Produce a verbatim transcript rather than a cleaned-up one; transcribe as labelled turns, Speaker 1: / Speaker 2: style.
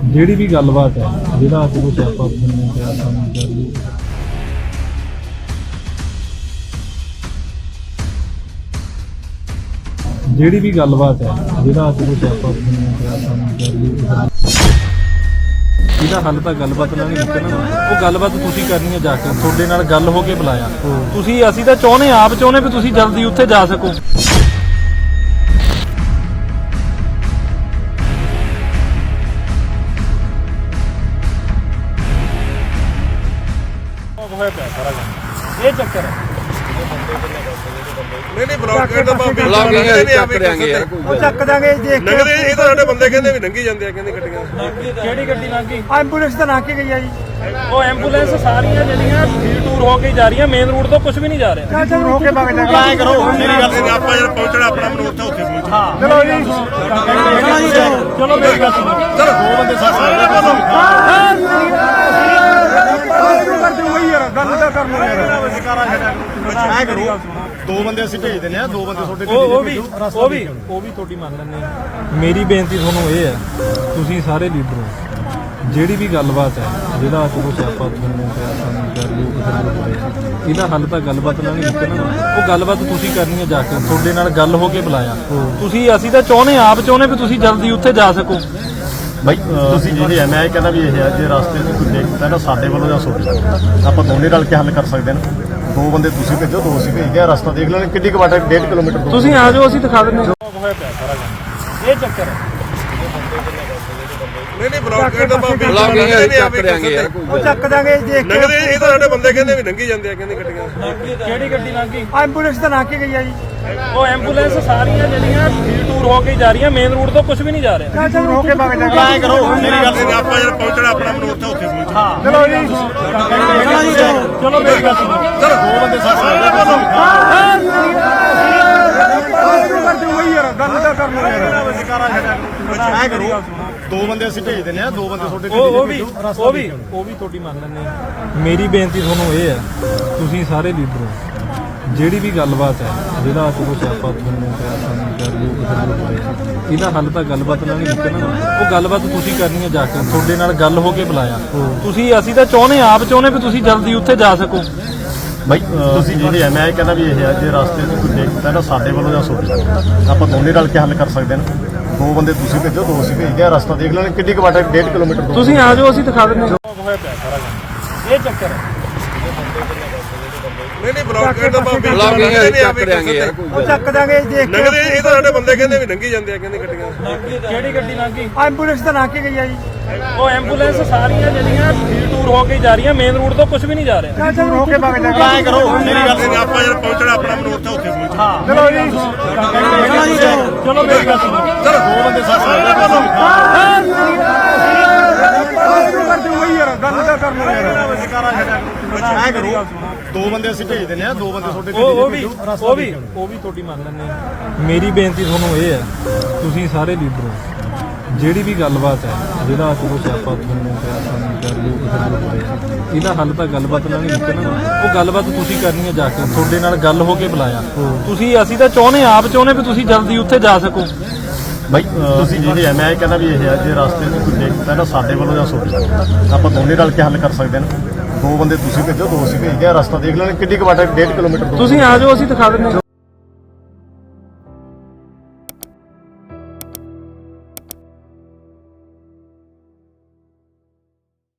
Speaker 1: ਜਿਹੜੀ ਵੀ ਗੱਲਬਾਤ ਹੈ ਜਿਹੜਾ ਅੱਜ ਕੁਛ ਆਪਾਂ ਤੁਹਾਨੂੰ ਕਿਹਾ ਸਾਨੂੰ ਕਰ ਲਈ ਜਿਹੜੀ ਵੀ ਗੱਲਬਾਤ ਹੈ ਜਿਹੜਾ ਅੱਜ ਕੁਛ ਆਪਾਂ ਤੁਹਾਨੂੰ ਕਿਹਾ ਸਾਨੂੰ ਕਰ ਲਈ ਇਹਦਾ ਹੱਲ ਤਾਂ ਗੱਲਬਾਤ ਨਾਲ ਨਹੀਂ ਨਿਕਲਣਾ। ਉਹ ਗੱਲਬਾਤ ਤੁਸੀਂ ਕਰਨੀ ਹੈ ਜਾ ਕੇ, ਤੁਹਾਡੇ ਨਾਲ ਗੱਲ ਹੋ ਕੇ ਬੁਲਾਇਆ ਤੁਸੀਂ। ਅਸੀਂ ਤਾਂ ਚਾਹੁੰਦੇ ਆਪ ਚਾਹੁੰਦੇ ਵੀ ਤੁਸੀਂ ਜਲਦੀ ਉੱਥੇ ਜਾ ਸਕੋ। ਇਹ ਚੱਕਰ ਹੈ
Speaker 2: ਨਹੀਂ ਨਹੀਂ ਬਲੌਕ ਕਰ ਦਬਾ ਬਲੌਕਿੰਗ ਚੱਕ ਦਿਆਂਗੇ ਯਾਰ,
Speaker 3: ਉਹ ਚੱਕ ਦਾਂਗੇ ਦੇਖ ਕੇ।
Speaker 2: ਲੰਘਦੇ ਇਹ ਤਾਂ ਸਾਡੇ ਬੰਦੇ ਕਹਿੰਦੇ ਵੀ ਲੰਘੀ ਜਾਂਦੇ ਆ, ਕਹਿੰਦੇ ਗੱਡੀਆਂ।
Speaker 1: ਕਿਹੜੀ ਗੱਡੀ ਲੰਘ ਗਈ?
Speaker 3: ਐਂਬੂਲੈਂਸ ਤਾਂ ਲੰਘ ਕੇ ਗਈ ਆ ਜੀ।
Speaker 1: ਉਹ ਐਂਬੂਲੈਂਸ ਸਾਰੀਆਂ ਜਿਹੜੀਆਂ ਟੂਰ ਹੋ ਕੇ ਜਾ ਰਹੀਆਂ, ਮੇਨ ਰੋਡ ਤੋਂ ਕੁਝ ਵੀ ਨਹੀਂ ਜਾ ਰਿਹਾ।
Speaker 3: ਚੱਲ ਚੱਲ ਰੋਕ ਕੇ ਵਗ ਜਾਗੇ।
Speaker 2: ਐਂ ਕਰੋ ਮੇਰੀ ਗੱਲ ਸੁਣੋ, ਆਪਾਂ ਜਦ ਪਹੁੰਚਣਾ ਆਪਣਾ ਮਨ ਉੱਥੇ ਉੱਥੇ ਪਹੁੰਚ।
Speaker 1: ਹਾਂ
Speaker 3: ਚਲੋ ਜੀ
Speaker 1: ਚਲੋ ਮੇਰੀ ਗੱਲ ਸੁਣੋ।
Speaker 2: ਚਲੋ ਦੋ ਬੰਦੇ ਸਾਥ ਨਾਲ
Speaker 3: ਕਰ ਦੂੰਗਾ ਯਾਰ, ਗੱਲ ਤਾਂ ਕਰ ਲਓ ਯਾਰ।
Speaker 2: ਐਂ ਕਰੋ ਦੋ ਬੰਦੇ ਅਸੀਂ ਭੇਜ ਦਿੰਦੇ ਆ, ਦੋ ਬੰਦੇ ਤੁਹਾਡੇ
Speaker 1: ਉਹ ਉਹ ਵੀ ਉਹ ਵੀ ਉਹ ਵੀ ਤੁਹਾਡੀ ਮੰਨ ਲੈਂਦੇ ਹਾਂ। ਮੇਰੀ ਬੇਨਤੀ ਤੁਹਾਨੂੰ ਇਹ ਹੈ, ਤੁਸੀਂ ਸਾਰੇ ਲੀਡਰ ਹੋ, ਜਿਹੜੀ ਵੀ ਗੱਲਬਾਤ ਹੈ ਜਿਹੜਾ ਅੱਜ ਕੁਛ ਆਪਾਂ ਤੁਹਾਨੂੰ ਕਿਹਾ ਸਾਨੂੰ ਕਰ ਲਈ ਇਹਦਾ ਹੱਲ ਤਾਂ ਗੱਲਬਾਤ ਨਾਲ ਨਹੀਂ ਨਿਕਲਣਾ। ਉਹ ਗੱਲਬਾਤ ਤੁਸੀਂ ਕਰਨੀ ਹੈ ਜਾ ਕੇ, ਤੁਹਾਡੇ ਨਾਲ ਗੱਲ ਹੋ ਕੇ ਬੁਲਾਇਆ ਤੁਸੀਂ। ਅਸੀਂ ਤਾਂ ਚਾਹੁੰਦੇ ਆਪ ਚਾਹੁੰਦੇ ਵੀ ਤੁਸੀਂ ਜਲਦੀ ਉੱਥੇ ਜਾ ਸਕੋ।
Speaker 4: ਬਾਈ ਤੁਸੀਂ ਜਿਹੜੇ ਮੈਂ ਇਹ ਕਹਿੰਦਾ ਵੀ ਇਹ ਹੈ, ਜੇ ਰਸਤੇ 'ਚ ਕੋਈ ਦੇਖਦਾ ਨਾ ਸਾਡੇ ਵੱਲੋਂ ਜਾਂ ਸੋਚੋ, ਆਪਾਂ ਦੋਨੇ ਰਲ ਕੇ ਹੱਲ ਕਰ ਸਕਦੇ ਨੇ। ਦੋ ਬੰਦੇ ਤੁਸੀਂ ਭੇਜੋ, ਦੋ ਅਸੀਂ ਭੇਜਦੇ ਆ, ਰਸਤਾ ਦੇਖ ਲੈਣ ਕਿੰਨੀ ਕੁ ਵਾਟ ਹੈ, ਡੇਢ ਕਿਲੋਮੀਟਰ ਦੂਰ।
Speaker 1: ਤੁਸੀਂ ਆ ਜਾਓ, ਅਸੀਂ ਦਿਖਾ ਦਿੰਦੇ ਹਾਂ। ਹੋਇਆ ਪਿਆ ਸਾਰਾ ਕੰਮ। ਇਹ ਚੱਕਰ ਹੈ
Speaker 2: ਨਹੀਂ ਨਹੀਂ ਬਲੌਕ ਕਰ ਦਬਾ
Speaker 3: ਬਲੌਕਿੰਗ
Speaker 2: ਚੱਕ ਦਿਆਂਗੇ ਯਾਰ,
Speaker 3: ਉਹ ਚੱਕ ਦਾਂਗੇ ਦੇਖ ਕੇ।
Speaker 2: ਲੰਘਦੇ ਇਹ ਤਾਂ ਸਾਡੇ ਬੰਦੇ ਕਹਿੰਦੇ ਵੀ ਲੰਘੀ ਜਾਂਦੇ ਆ, ਕਹਿੰਦੇ ਗੱਡੀਆਂ।
Speaker 1: ਕਿਹੜੀ ਗੱਡੀ ਲੰਘ ਗਈ?
Speaker 3: ਐਂਬੂਲੈਂਸ ਤਾਂ ਲੰਘ ਕੇ ਗਈ ਆ ਜੀ।
Speaker 1: ਉਹ ਐਂਬੂਲੈਂਸ ਸਾਰੀਆਂ ਜਿਹੜੀਆਂ ਟੂਰ ਹੋ ਕੇ ਜਾ ਰਹੀਆਂ, ਮੇਨ ਰੋਡ ਤੋਂ ਕੁਝ ਵੀ ਨਹੀਂ ਜਾ ਰਿਹਾ।
Speaker 3: ਚੱਲ ਚੱਲ ਰੋਕ ਕੇ ਵਗ ਜਾਗੇ।
Speaker 2: ਐਂ ਕਰੋ ਮੇਰੀ ਗੱਲ ਸੁਣੋ, ਆਪਾਂ ਜਦ ਪਹੁੰਚਣਾ ਆਪਣਾ ਮਨ ਉੱਥੇ ਉੱਥੇ ਪਹੁੰਚ।
Speaker 1: ਹਾਂ
Speaker 3: ਚਲੋ ਜੀ
Speaker 1: ਚਲੋ ਮੇਰੀ ਗੱਲ ਸੁਣੋ।
Speaker 2: ਚਲੋ ਦੋ ਬੰਦੇ ਸਾਥ ਨਾਲ
Speaker 3: ਕਰ ਦੂੰਗਾ ਯਾਰ, ਗੱਲ ਤਾਂ ਕਰ ਲਓ ਯਾਰ।
Speaker 4: ਐਂ ਕਰੋ ਦੋ ਬੰਦੇ ਅਸੀਂ ਭੇਜ ਦਿੰਦੇ ਆ, ਦੋ ਬੰਦੇ ਤੁਹਾਡੇ
Speaker 1: ਉਹ ਉਹ ਵੀ ਉਹ ਵੀ ਉਹ ਵੀ ਤੁਹਾਡੀ ਮੰਨ ਲੈਂਦੇ ਹਾਂ। ਮੇਰੀ ਬੇਨਤੀ ਤੁਹਾਨੂੰ ਇਹ ਹੈ, ਤੁਸੀਂ ਸਾਰੇ ਲੀਡਰ ਹੋ, ਜਿਹੜੀ ਵੀ ਗੱਲਬਾਤ ਹੈ ਜਿਹੜਾ ਅੱਜ ਕੁਛ ਆਪਾਂ ਤੁਹਾਨੂੰ ਕਿਹਾ ਸਾਨੂੰ ਕਰ ਲਈ ਇਹਦਾ ਹੱਲ ਤਾਂ ਗੱਲਬਾਤ ਨਾਲ ਨਹੀਂ ਨਿਕਲਣਾ। ਉਹ ਗੱਲਬਾਤ ਤੁਸੀਂ ਕਰਨੀ ਹੈ ਜਾ ਕੇ, ਤੁਹਾਡੇ ਨਾਲ ਗੱਲ ਹੋ ਕੇ ਬੁਲਾਇਆ ਤੁਸੀਂ। ਅਸੀਂ ਤਾਂ ਚਾਹੁੰਦੇ ਆਪ ਚਾਹੁੰਦੇ ਵੀ ਤੁਸੀਂ ਜਲਦੀ ਉੱਥੇ ਜਾ ਸਕੋ।
Speaker 4: ਬਾਈ ਤੁਸੀਂ ਜਿਹੜੇ ਮੈਂ ਇਹ ਕਹਿੰਦਾ ਵੀ ਇਹ ਹੈ, ਜੇ ਰਸਤੇ 'ਚ ਕੋਈ ਦੇਖਦਾ ਨਾ ਸਾਡੇ ਵੱਲੋਂ ਜਾਂ ਸੋਚੋ, ਆਪਾਂ ਦੋਨੇ ਰਲ ਕੇ ਹੱਲ ਕਰ ਸਕਦੇ ਨੇ। ਦੋ ਬੰਦੇ ਤੁਸੀਂ ਭੇਜੋ, ਦੋ ਅਸੀਂ ਭੇਜਦੇ ਆ, ਰਸਤਾ ਦੇਖ ਲੈਣ ਕਿੰਨੀ ਕੁ ਵਾਟ ਹੈ, ਡੇਢ ਕਿਲੋਮੀਟਰ ਦੂਰ।
Speaker 1: ਤੁਸੀਂ ਆ ਜਾਓ, ਅਸੀਂ ਦਿਖਾ ਦਿੰਦੇ ਹਾਂ। ਹੋਇਆ ਪਿਆ ਸਾਰਾ ਕੰਮ। ਇਹ ਚੱਕਰ ਹੈ
Speaker 2: ਨਹੀਂ ਨਹੀਂ ਬਲੌਕ ਕਰ ਦਬਾ
Speaker 3: ਬਲੌਕਿੰਗ ਚੱਕ ਦਿਆਂਗੇ ਯਾਰ, ਉਹ ਚੱਕ ਦਾਂਗੇ ਦੇਖ ਕੇ।
Speaker 2: ਲੰਘਦੇ ਇਹ ਤਾਂ ਸਾਡੇ ਬੰਦੇ ਕਹਿੰਦੇ ਵੀ ਲੰਘੀ ਜਾਂਦੇ ਆ, ਕਹਿੰਦੇ ਗੱਡੀਆਂ।
Speaker 1: ਕਿਹੜੀ ਗੱਡੀ ਲੰਘ ਗਈ?
Speaker 3: ਐਂਬੂਲੈਂਸ ਤਾਂ ਲੰਘ ਕੇ ਗਈ ਆ ਜੀ।
Speaker 1: ਉਹ ਐਂਬੂਲੈਂਸ ਸਾਰੀਆਂ ਜਿਹੜੀਆਂ ਟੂਰ ਹੋ ਕੇ ਜਾ ਰਹੀਆਂ, ਮੇਨ ਰੋਡ ਤੋਂ ਕੁਝ ਵੀ ਨਹੀਂ ਜਾ ਰਿਹਾ।
Speaker 3: ਚੱਲ ਚੱਲ ਰੋਕ ਕੇ ਵਗ ਜਾਗੇ।
Speaker 2: ਐਂ ਕਰੋ ਮੇਰੀ ਗੱਲ ਸੁਣੋ, ਆਪਾਂ ਜਦ ਪਹੁੰਚਣਾ ਆਪਣਾ ਮਨ ਉੱਥੇ ਉੱਥੇ ਪਹੁੰਚ।
Speaker 1: ਹਾਂ
Speaker 3: ਚਲੋ ਜੀ
Speaker 1: ਚਲੋ ਮੇਰੀ ਗੱਲ ਸੁਣੋ।
Speaker 2: ਚਲੋ ਦੋ ਬੰਦੇ ਸਾਥ ਨਾਲ
Speaker 3: ਕਰ ਦੂੰਗਾ ਯਾਰ, ਗੱਲ ਤਾਂ ਕਰ ਲਓ ਯਾਰ।
Speaker 4: ਐਂ ਕਰੋ ਦੋ ਬੰਦੇ ਅਸੀਂ ਭੇਜ ਦਿੰਦੇ ਆ, ਦੋ ਬੰਦੇ ਤੁਹਾਡੇ
Speaker 1: ਉਹ ਉਹ ਵੀ ਉਹ ਵੀ ਉਹ ਵੀ ਤੁਹਾਡੀ ਮੰਨ ਲੈਂਦੇ ਹਾਂ। ਮੇਰੀ ਬੇਨਤੀ ਤੁਹਾਨੂੰ ਇਹ ਹੈ, ਤੁਸੀਂ ਸਾਰੇ ਲੀਡਰ ਹੋ, ਜਿਹੜੀ ਵੀ ਗੱਲਬਾਤ ਹੈ ਜਿਹੜਾ ਅੱਜ ਕੁਛ ਆਪਾਂ ਤੁਹਾਨੂੰ ਕਿਹਾ ਸਾਨੂੰ ਕਰ ਲਈ ਇਹਦਾ ਹੱਲ ਤਾਂ ਗੱਲਬਾਤ ਨਾਲ ਨਹੀਂ ਨਿਕਲਣਾ। ਉਹ ਗੱਲਬਾਤ ਤੁਸੀਂ ਕਰਨੀ ਹੈ ਜਾ ਕੇ, ਤੁਹਾਡੇ ਨਾਲ ਗੱਲ ਹੋ ਕੇ ਬੁਲਾਇਆ ਤੁਸੀਂ। ਅਸੀਂ ਤਾਂ ਚਾਹੁੰਦੇ ਆਪ ਚਾਹੁੰਦੇ ਵੀ ਤੁਸੀਂ ਜਲਦੀ ਉੱਥੇ ਜਾ ਸਕੋ।
Speaker 4: ਬਾਈ ਤੁਸੀਂ ਜਿਹੜੇ ਮੈਂ ਇਹ ਕਹਿੰਦਾ ਵੀ ਇਹ ਹੈ, ਜੇ ਰਸਤੇ 'ਚ ਕੋਈ ਦੇਖਦਾ ਨਾ ਸਾਡੇ ਵੱਲੋਂ ਜਾਂ ਸੋਚੋ, ਆਪਾਂ ਦੋਨੇ ਰਲ ਕੇ ਹੱਲ ਕਰ ਸਕਦੇ ਨੇ। ਦੋ ਬੰਦੇ ਤੁਸੀਂ ਭੇਜੋ, ਦੋ ਅਸੀਂ ਭੇਜਦੇ ਆ, ਰਸਤਾ ਦੇਖ ਲੈਣ ਕਿੰਨੀ ਕੁ ਵਾਟ ਹੈ, ਡੇਢ ਕਿਲੋਮੀਟਰ ਦੂਰ।
Speaker 1: ਤੁਸੀਂ ਆ ਜਾਓ, ਅਸੀਂ ਦਿਖਾ ਦਿੰਦੇ ਹਾਂ।